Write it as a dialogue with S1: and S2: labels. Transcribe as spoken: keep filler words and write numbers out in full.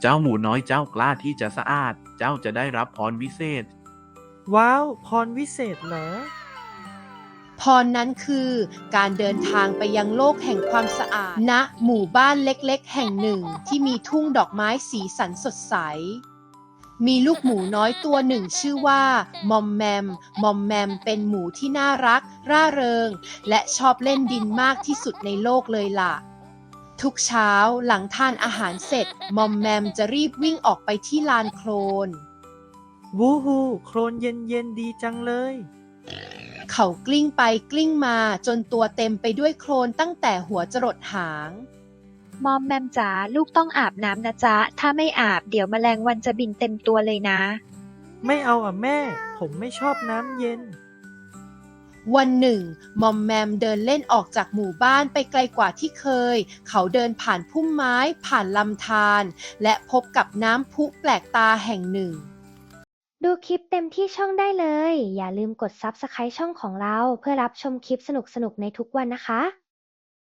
S1: เจ้าหมูน้อยเจ้ากล้าที่จะสะอาดเจ้าจะได้รับพรวิเศษ
S2: ว้าวพรวิเศษเหรอ
S3: พรนั้นคือการเดินทางไปยังโลกแห่งความสะอาดณหมู่บ้านเล็กๆแห่งหนึ่งที่มีทุ่งดอกไม้สีสันสดใสมีลูกหมูน้อยตัวหนึ่งชื่อว่ามอมแมมมอมแมมเป็นหมูที่น่ารักร่าเริงและชอบเล่นดินมากที่สุดในโลกเลยล่ะทุกเช้าหลังทานอาหารเสร็จมอมแมมจะรีบวิ่งออกไปที่ลานโคลน
S2: วูฮูโคลนเย็นเย็นดีจังเลย
S3: เขากลิ้งไปกลิ้งมาจนตัวเต็มไปด้วยโคลนตั้งแต่หัวจรดหาง
S4: มอมแมมจ๋าลูกต้องอาบน้ำนะจ๊ะถ้าไม่อาบเดี๋ยวแมลงวันจะบินเต็มตัวเลยนะ
S2: ไม่เอาอ่ะแม่ผมไม่ชอบน้ำเย็น
S3: วันหนึ่งมอมแมมเดินเล่นออกจากหมู่บ้านไปไกลกว่าที่เคยเขาเดินผ่านพุ่มไม้ผ่านลำธารและพบกับน้ำพุแปลกตาแห่งหนึ่ง
S5: ดูคลิปเต็มที่ช่องได้เลย อย่าลืมกด ซับสไครบ์ ช่องของเราเพื่อรับชมคลิปสนุกๆในทุกวันนะคะ